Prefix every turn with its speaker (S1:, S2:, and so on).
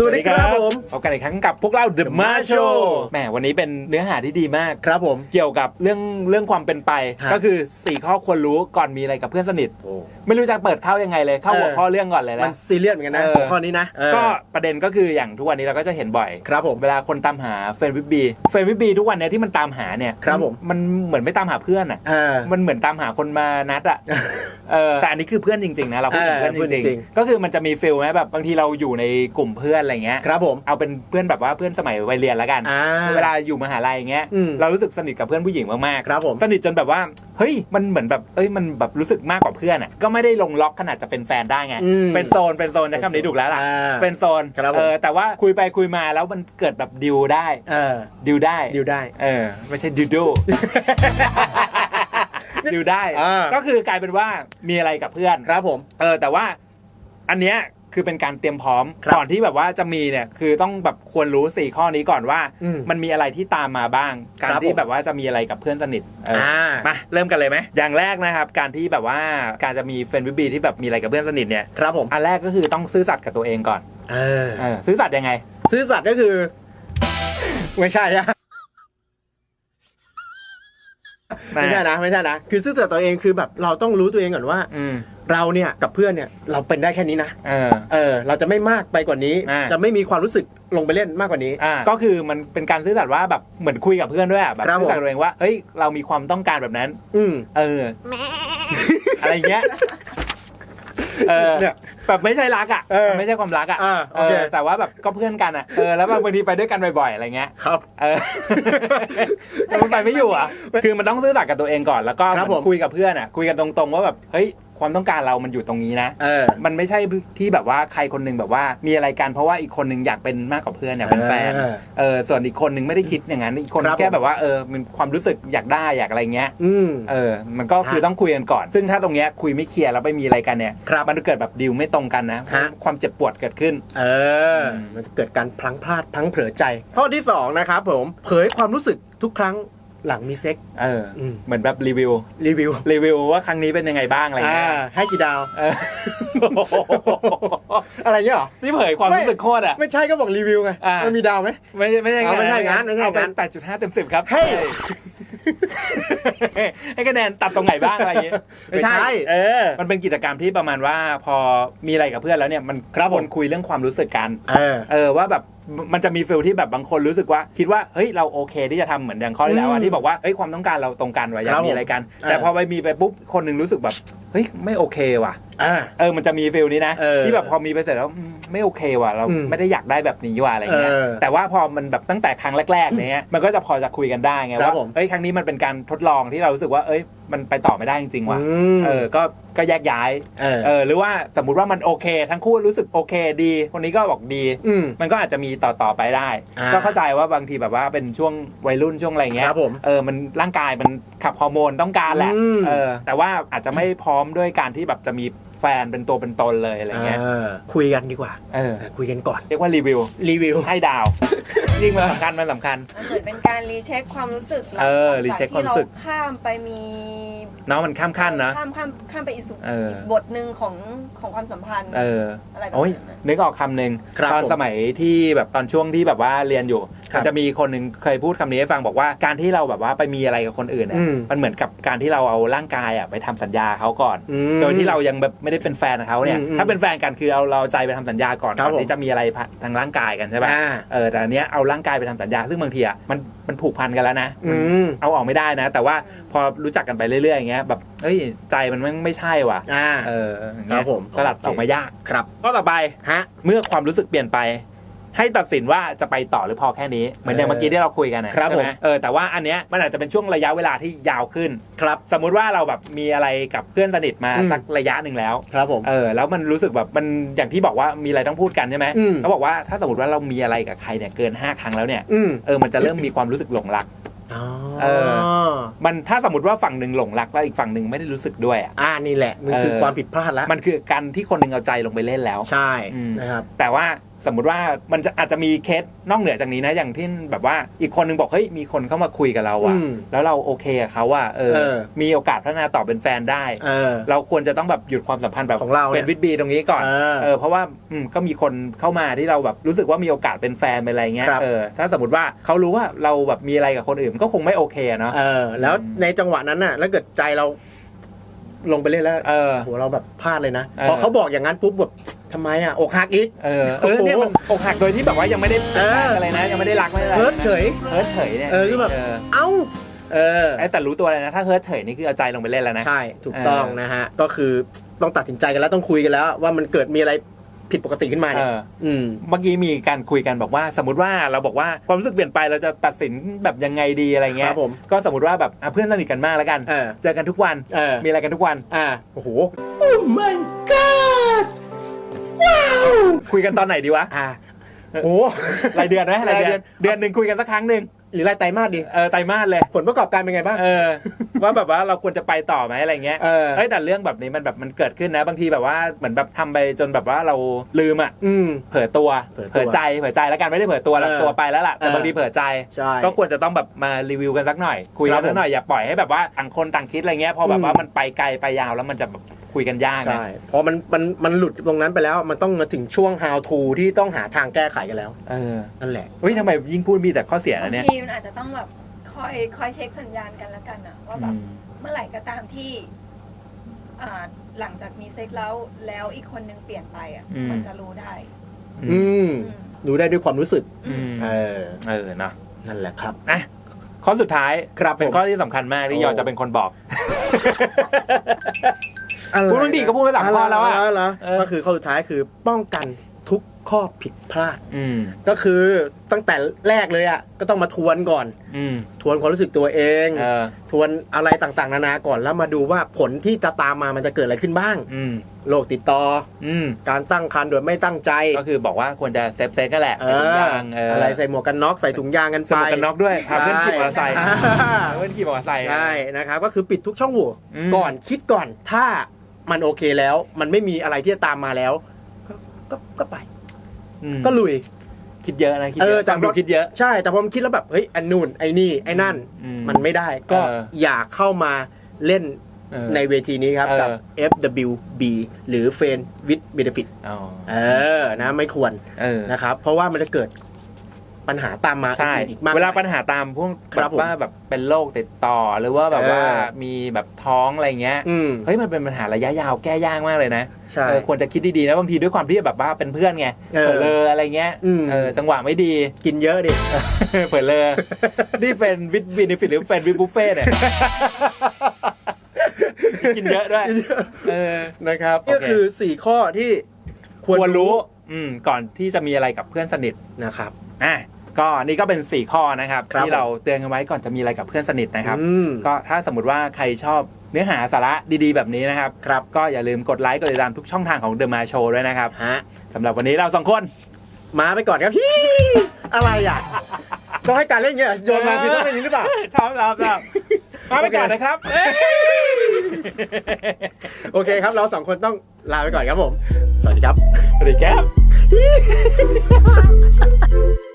S1: วัสดีครับผม
S2: พบกันอีกครั้งกับพวกเรา The Ma Show แหมวันนี้เป็นเนื้อหาที่ดีมาก
S1: ครับผม
S2: เกี่ยวกับเรื่องความเป็นไปก็คือ4ข้อควรรู้ก่อนมีอะไรกับเพื่อนสนิทไม่รู้จะเปิดเข้ายังไงเลยเข้าหัวข้อเรื่องก่อนเลยนะ
S1: มันซีเรียสเหมือนกันนะหัวข้อนี้นะ
S2: ก็ประเด็นก็คืออย่างทุกวันนี้เราก็จะเห็นบ่อย
S1: ครับผม
S2: เวลาคนตามหาเฟรนด์วิบบีทุกวันนี้ที่มันตามหาเนี่ย
S1: ครับผม
S2: มันเหมือนไม่ตามหาเพื่อนอ่ะมันเหมือนตามหาคนมานัดอ่ะแต่อันนี้คือเพื่อนจริงๆนะเราพูดถึงเพื่อนจริงๆก็คือมันจะมีฟีลไหมแบบบางทีเราอยู่ในกลุ่มเพื่อนอะไรเงี้ย
S1: ครับผม
S2: เอาเป็นเพื่อนแบบว่าเพื่อนสมัยวัยเรียนแล้วกันเวลาอยู่มหาลัยเงี้ยเรารู้สึกสนิทกับเพื่อนผู้หญิงมากๆ
S1: ครับผม
S2: สนิทจนแบบว่าเฮ้ยมันเหมือนแบบมันแบบรู้สึกมากกว่าเพื่อนอ่ะก็ไม่ได้ลงล็อกขนาดจะเป็นแฟนได้ไงเป็นโซนใช้คำนี้ถูกแล้วล่ะเป็นโซนแต่ว่าคุยไปคุยมาแล้วมันเกิดแบบดิวได้ดิวได้ไม่ใช่ดิวดูดิวได้ก็คือกลายเป็นว่ามีอะไรกับเพื่อน
S1: ครับผม
S2: แต่ว่าอันเนี้ยคือเป็นการเตรียมพร้อมก่อนที่แบบว่าจะมีเนี่ยคือต้องแบบควรรู้4ข้อนี้ก่อนว่ามันมีอะไรที่ตามมาบ้างการที่แบบว่าจะมีอะไรกับเพื่อนสนิทมาเริ่มกันเลยไหมอย่างแรกนะครับการที่แบบว่าการจะมีเฟรนด์วิบบีที่แบบมีอะไรกับเพื่อนสนิทเนี่ย
S1: ครับผม
S2: อันแรกก็คือต้องซื่อสัตย์กับตัวเองก่อนซื่อสัตย์ยังไง
S1: ซื่อสัตย์ก็คือไม่ใช่นะไม่ใช่นะคือซื่อสัตย์ตัวเองคือแบบเราต้องรู้ตัวเองก่อนว่าเราเนี่ยกับเพื่อนเนี่ยเราเป็นได้แค่นี้นะเราจะไม่มากไปกว่านี้จะไม่มีความรู้สึกลงไปเล่นมากกว่านี้
S2: ก็คือมันเป็นการซื่อสัตย์ว่าแบบเหมือนคุยกับเพื่อนด้วยแบบซื่อสัตย์ตัวเองว่าเฮ้ยเรามีความต้องการแบบนั้นอะไรเงี้ยแบบไม่ใช่รักอ่ะไม่ใช่ความรักอ่ะแต่ว่าแบบก็เพื่อนกันอ่ะแล้วบางทีไปด้วยกันบ่อยๆอะไรเงี้ย
S1: ครับ
S2: มันไปไม่อยู่อ่ะคือมันต้องซื่อสัตย์กับตัวเองก่อนแล้วก็คุยกับเพื่อนอ่ะคุยกันตรงๆว่าแบบเฮ้ยความต้องการเรามันอยู่ตรงนี้นะมันไม่ใช่ที่แบบว่าใครคนนึงแบบว่ามีอะไรกันเพราะว่าอีกคนนึงอยากเป็นมากกว่าเพื่อนอยากเป็นแฟนส่วนอีกคนนึงไม่ได้คิดอย่างนั้นอีกคนแค่แบบว่ามันความรู้สึกอยากได้อยากอะไรเงี้ยมันก็คือต้องคุยกันก่อนซึ่งถ้าตรงเนี้ยคุยไม่เคลียร์แล้วไปมีอะไรกันเนี่ยมันเกิดแบบดีลไม่ตรงกันนะความเจ็บปวดเกิดขึ้น
S1: มันจะเกิดการพลั้งพลาดพลั้งเผลอใจข้อที่2นะครับผมเผยความรู้สึกทุกครั้งหลังมีเซ็ก
S2: เหมือนแบบรีวิวว่าครั้งนี้เป็นยังไงบ้างอะไรเงี้ย
S1: ให้กี่ดาวอะไรเงี้ยหรอ
S2: นี่เผยความรู้สึกโคตรอ่ะ
S1: ไม่ใช่ก็บอกรีวิวไงมันมีดาวไหม
S2: ไม่ใช่
S1: งั้น
S2: เอาเป็น8.5 เต็ม 10ครับให้คะแนนตัดตรงไหนบ้างอะไรอย่างเงี้ย
S1: ไม่ใช่
S2: มันเป็นกิจกรรมที่ประมาณว่าพอมีอะไรกับเพื่อนแล้วเนี่ยมันควรคุยเรื่องความรู้สึกกันว่าแบบมันจะมีฟีลที่แบบบางคนรู้สึกว่าคิดว่าเฮ้ยเราโอเคที่จะทำเหมือนอย่างข้อที่แล้วที่บอกว่าเฮ้ยความต้องการเราตรงกันว่าอยากมีอะไรกันแต่พอไปมีไปปุ๊บคนนึงรู้สึกแบบเฮ้ยไม่โอเคว่ะมันจะมีฟีลนี้นะที่แบบพอมีไปเสร็จแล้วไม่โอเคว่ะเราไม่ได้อยากได้แบบนี้ว่ะอะไรเงี้ยแต่ว่าพอมันแบบตั้งแต่ครั้งแรกๆเนี้ยมันก็จะพอจะคุยกันได้ไงว่าเฮ้ยครั้งนี้มันเป็นการทดลองที่เรารู้สึกว่าเอ้ยมันไปต่อไม่ได้จริงๆว่ะก็แยกย้ายหรือว่าสมมุติว่ามันโอเคทั้งคู่รู้สึกโอเคดีคนนี้ก็บอกดีมันก็อาจจะมีต่อไปได้ก็เข้าใจว่าบางทีแบบว่าเป็นช่วงวัยรุ่นช่วงอะไรเงี้ยมันร่างกายมันขับฮอร์โมนต้องการแหละแต่ว่าอาจจะไม่พร้อมด้วยการที่แบบจะมีแฟนเป็นตัวเป็นตนเลยอะไรเงี้ย
S1: คุยกันดีกว่าคุยกันก่อน
S2: เรียกว่ารีวิวให้ดาวยิ่งมันสำคัญเหมือน
S3: เป็นการรีเช็คความรู้สึก
S2: รีเช็คความรู้สึก
S3: ข้ามไปมี
S2: น้องมันข้ามขั้นนะ
S3: ข้ามไปอีกบทหนึ่งของความสัมพันธ์อะไรแบบ
S2: นั้นนึกออกคำหนึ่งตอนสมัยที่แบบตอนช่วงที่แบบว่าเรียนอยู่มันจะมีคนหนึ่งเคยพูดคำนี้ให้ฟังบอกว่าการที่เราแบบว่าไปมีอะไรกับคนอื่นมันเหมือนกับการที่เราเอาร่างกายไปทำสัญญาเขาก่อนโดยที่เรายังแบบไม่ได้เป็นแฟนเขาเนี่ยถ้าเป็นแฟนกันคือเราใจไปทำสัญญาก่อนที่จะมีอะไรทางร่างกายกันใช่ป่ะแต่อันเนี้ยเอาร่างกายไปทำสัญญาซึ่งบางทีมันผูกพันกันแล้วนะเอาออกไม่ได้นะแต่ว่าพอรู้จักกันไปเรื่อยๆอย่างเงี้ยแบบเฮ้ยใจมันไม่ใช่ว่ะ
S1: ครับผม
S2: สลัดออกมายาก
S1: ครับ
S2: ก็ต่อไปเมื่อความรู้สึกเปลี่ยนไปให้ตัดสินว่าจะไปต่อหรือพอแค่นี้เหมือนอย่างเมื่อกี้ที่เราคุยกันใช่ไหมแต่ว่าอันเนี้ยมันอาจจะเป็นช่วงระยะเวลาที่ยาวขึ้น
S1: ครับ
S2: สมมุติว่าเราแบบมีอะไรกับเพื่อนสนิทมาสักระยะหนึ่งแล้ว
S1: ครับผม
S2: แล้วมันรู้สึกแบบมันอย่างที่บอกว่ามีอะไรต้องพูดกันใช่ไหมเขาบอกว่าถ้าสมมติว่าเรามีอะไรกับใครเนี่ยเกิน5 ครั้งแล้วเนี่ยมันจะเริ่มมีความรู้สึกหลงรักมันถ้าสมมติว่าฝั่งหนึ่งหลงรักแล้วอีกฝั่งหนึ่งไม่ได้รู้สึกด้วย
S1: นี่แหละมันคือความผิดพลาดแล้ว
S2: มันคือการที่คนหนึ่งเอาใจลงไปเล่นแล้ว
S1: ใช่นะครับ
S2: แต่ว่าสมมุติว่ามันจะอาจจะมีเคสนอกเหนือจากนี้นะอย่างที่แบบว่าอีกคนนึงบอกเฮ้ยมีคนเข้ามาคุยกับเราอะแล้วเราโอเคกับเขาว่ามีโอกาสพัฒนาต่อเป็นแฟนได้เราควรจะต้องแบบหยุดความสัมพันธ์แบบ
S1: ของเรา
S2: เฟนวิดบีตรงนี้ก่อนเพราะว่าก็มีคนเข้ามาที่เราแบบรู้สึกว่ามีโอกาสเป็นแฟนเป็นอะไรเงี้ยถ้าสมมติว่าเขารู้ว่าเราแบบมีอะไรกับคนอื่นก็คงไม่โอเคเนาะ
S1: แล้วในจังหวะนั้นน่ะแล้วเกิดใจเราลงไปเล่นแล้วโหเราแบบพลาดเลยนะพอเขาบอกอย่างนั้นปุ๊บแบบทำไมอ่ะอกหักอีก
S2: เนี่ยมันอกหักโดยที่แบบว่ายังไม่ได้อะไรนะยังไม่ได้รักไม่ได้
S1: เฮิร์ตเฉย
S2: เนี่ย
S1: คือแบบเอ้า
S2: แต่รู้ตัวเลยนะถ้าเฮิร์ตเฉยนี่คือเอาใจลงไปเล่นแล้วนะ
S1: ใช่ถูกต้องนะฮะก็คือต้องตัดสินใจกันแล้วต้องคุยกันแล้วว่ามันเกิดมีอะไรผิดปกติขึ้นมาเนี่ย
S2: เมื่อกี้มีการคุยกันบอกว่าสมมติว่าเราบอกว่าความรู้สึกเปลี่ยนไปเราจะตัดสินแบบยังไงดีอะไรเงี้ยก็สมมติว่าแบบเพื่อนสนิทกันมากแล้วกันเจอกันทุกวันมีอะไรกันทุกวัน
S1: โอ้โห
S2: Oh my god ว้าวคุยกันตอนไหนดีวะ
S1: โอ้
S2: รายเดือนไหมรายเดือนนึงคุยกันสักครั้งนึง
S1: หรือรายไตรมาสดี
S2: ไตรมาสเลย
S1: ผลประกอบการเป็นไงบ้าง
S2: ว่าแบบว่าเราควรจะไปต่อไหมอะไรเงี้ยแต่เรื่องแบบนี้มันแบบมันเกิดขึ้นนะบางทีแบบว่าเหมือนแบบทำไปจนแบบว่าเราลืมเผลอตัวเผลอใจแล้วกันไม่ได้เผลอตัวแล้วตัวไปแล้วล่ะแต่บางทีเผลอใจก็ควรจะต้องแบบมารีวิวกันสักหน่อยคุยกันสักหน่อยอย่าปล่อยให้แบบว่าต่างคนต่างคิดอะไรเงี้ยพอแบบว่ามันไปไกลไปยาวแล้วมันจะแบบคุยกันยากนะ
S1: พอมันหลุดตรงนั้นไปแล้วมันต้องมาถึงช่วง how to ที่ต้องหาทางแก้ไขกันแล้วนั่นแหละ
S2: เฮ้ยทำไมยิ่งพูดมีแต่ข้อเสียนะเนี่ย
S3: ทีมันอาจจะต้องแบบคอยเช็คสัญญาณกันแล้วกันนะว่าแบบเมื่อไหร่ก็ตามที่หลังจากมีเซ็กแล้วอีกคนนึงเปลี่ยนไปมันจะรู้ได้
S1: รู้ได้ด้วยความรู้สึก
S2: เนาะ
S1: นั่นแหละครับ
S2: ข้อสุดท้ายเป็นข้อที่สำคัญมากที่ยอจะเป็นคนบอกพูดบางทีก็พูดไป3ข้อแล้วอ่ะ
S1: ก็คือข้อสุดท้ายคือป้องกันทุกข้อผิดพลาดก็คือตั้งแต่แรกเลยอ่ะก็ต้องมาทวนก่อนทวนความรู้สึกตัวเองทวนอะไรต่างๆนานาก่อนแล้วมาดูว่าผลที่จะตามมามันจะเกิดอะไรขึ้นบ้างโรคติดต่อการตั้งครรภ์โดยไม่ตั้งใจ
S2: ก็คือบอกว่าควรจะเซฟกันแหละใส่ถุงยาง
S1: อะไรใส่หมวกกันน็อกใส่ถุงยางกันไป
S2: ใส่หมวกกันน็อกด้วยพาเพื่อนขี่มอเตอร์ไซค์เพื่อนขี่มอเตอร์ไซค์
S1: ใช่นะครับก็คือปิดทุกช่องโหว่ก่อนคิดก่อนถ้ามันโอเคแล้วมันไม่มีอะไรที่จะตามมาแล้วก็ไปก็ลุย
S2: คิดเยอะนะคิดเยอะแต่คิดเยอะ
S1: ใช่แต่พอมันคิดแล้วแบบเฮ้ยอันนู่นไอ้นี่ไอ้นั่นมันไม่ได้ก็อย่าเข้ามาเล่นในเวทีนี้ครับกับ FWB หรือ Friend with Benefit นะไม่ควรนะครับเพราะว่ามันจะเกิดปัญหาตามมา
S2: อีกมากเวลาปัญหาตามพวกแบบว่าแบบเป็นโรคติดต่อหรือว่าแบบว่ามีแบบท้องอะไรเงี้ยเฮ้ยมันเป็นปัญหาระยะยาวแก้ยากมากเลยนะควรจะคิดดีๆนะบางทีด้วยความที่แบบว่าเป็นเพื่อนไงเผลอเลยอะไรเงี้ยจังหวะไม่ดี
S1: กินเยอะดิ
S2: เผลอเลยนี่เฟนวิดเบเนฟิตหรือเฟนวิดบุฟเฟ่เนี่ยกินเยอะด้วย
S1: นะครับก็คือ4ข้อที่
S2: ควรรู้ก่อนที่จะมีอะไรกับเพื่อนสนิท
S1: นะครับ
S2: ก็นี่ก็เป็น4ข้อนะครับที่เราเตือนกันไว้ก่อนจะมีอะไรกับเพื่อนสนิทนะครับก็ถ้าสมมติว่าใครชอบเนื้อหาสาระดีๆแบบนี้นะครับก็อย่าลืมกดไลค์กดติดตามทุกช่องทางของ The Ma Show ด้วยนะครับสำหรับวันนี้เรา2คน
S1: มาไปก่อนครับอะไรอ่ะต้องให้การเล่นเงี้ยโยนมาคือต้องเป็นนี้หรือเปล่า
S2: ชอบมาไปก่อนนะครับ
S1: โอเคครับเรา2คนต้องลาไปก่อนครับผมสวัสดีครับ
S2: สวัสดีครับ